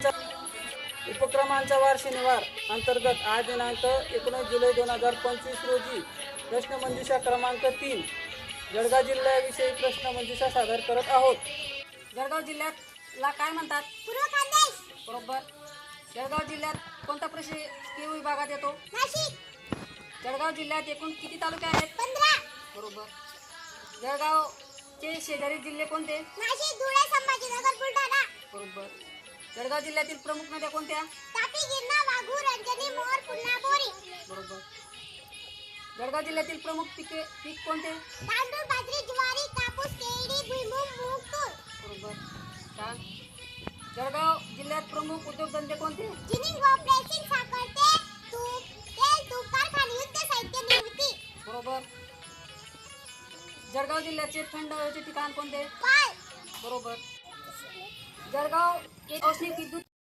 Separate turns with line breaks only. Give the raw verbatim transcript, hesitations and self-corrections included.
उपक्रमांचा वार शनिवार अंतर्गत आज दिनांक एकोणीस जुलै दोन हजार पंचवीस रोजी प्रश्नमंजुषा क्रमांक तीन जळगाव जिल्ह्याविषयी प्रश्नमंजुषा सादर करत आहोत. जळगाव जिल्ह्याला काय म्हणतात?
पूर्व खानदेश.
बरोबर. जळगाव जिल्ह्यात कोणता प्रशासकीय विभागात येतो?
नाशिक.
जळगाव जिल्ह्यात एकूण किती तालुके आहेत?
पंधरा.
बरोबर. जळगावचे शेजारी जिल्हे कोणते?
नाशिक, धुळे, संभाजीनगर, बुलढाणा.
बरोबर. जळगाव जिल्ह्यातील प्रमुख नद्या कोणत्या?
तापी, गिरणा, वाघू, रंजनी, मोर, पुन्हा, बोरी.
बरोबर. जळगाव जिल्ह्यातील प्रमुख पिके पीक कोणते?
तांदूळ, बाजरी, ज्वारी, कापूस, केळी, भुईमूग, मूग, तूर.
बरोबर. छान. जळगाव जिल्ह्यात प्रमुख उद्योगधंदे कोणते?
जिनिंग व प्रेसिंग, साखर, तेल, तूप, तेल, तूप कारखाने, युद्ध साहित्य निर्मिती.
बरोबर. जळगाव जिल्ह्याचे थंड हवेचे ठिकाण कोणते?
पाल.
बरोबर. जळगाव एक औष्णिक विद्युत